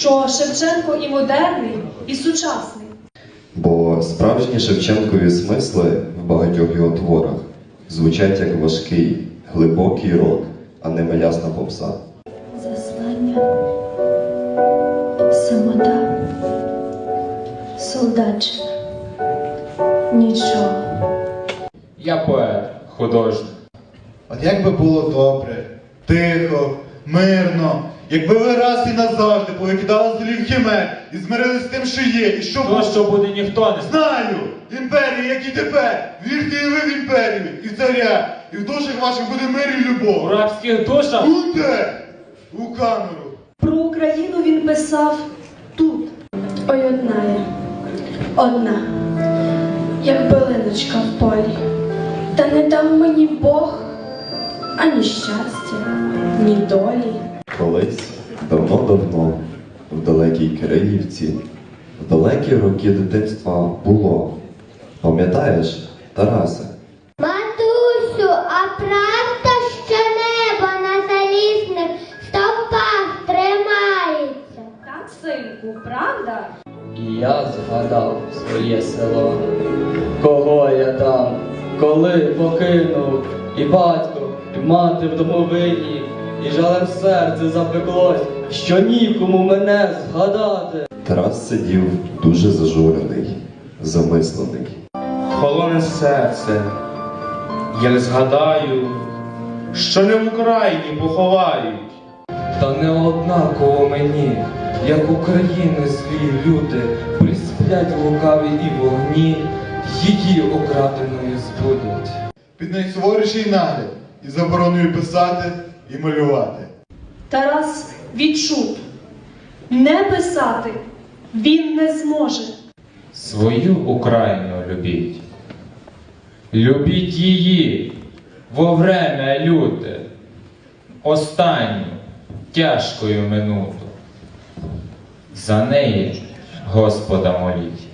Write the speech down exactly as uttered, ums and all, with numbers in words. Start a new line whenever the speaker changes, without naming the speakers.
що Шевченко і модерний, і сучасний.
Бо справжні Шевченкові смисли в багатьох його творах звучать як важкий, глибокий рок, а не мелясна попса.
Заслання, самота, солдатчина, нічого.
Я поет, художник.
От як би було добре, тихо, мирно, якби ви раз і назавжди повикидали з голів химер і змирились з тим, що є, і що
То,
було.
що буде, ніхто не знає.
Знаю! Імперія, як і тепер! Вірте і ви в імперію, і в царя, і в душах ваших буде мир і
У
любов.
рабських душах
Буде! У камеру!
Про Україну він писав тут.
Ой, одна я, одна, як билиночка в полі. Та не дав мені Бог ані щастя, ні долі.
Колись, давно-давно, в далекій Кирилівці, в далекі роки дитинства було. Пам'ятаєш, Тарасе?
Матусю, а правда, що небо на залізних стовпах тримається?
Так, синку, правда?
І я згадав своє село, кого я там, коли покинув, і батько, і мати в домовині, і жалем серце запеклось, що нікому мене згадати.
Тарас сидів дуже зажурений, замислений.
холоне серце. Я не згадаю, що не в Україні поховають.
Та не однаково мені, як України злі люди, присплять лукаві і вогні, її окраденою збудуть.
Під найсуворіший нагляд і забороною писати і малювати.
Тарас відчув, не писати він не зможе.
Свою Україну любіть. Любіть її во время люте, останню тяжкою минуту. За неї Господа моліть.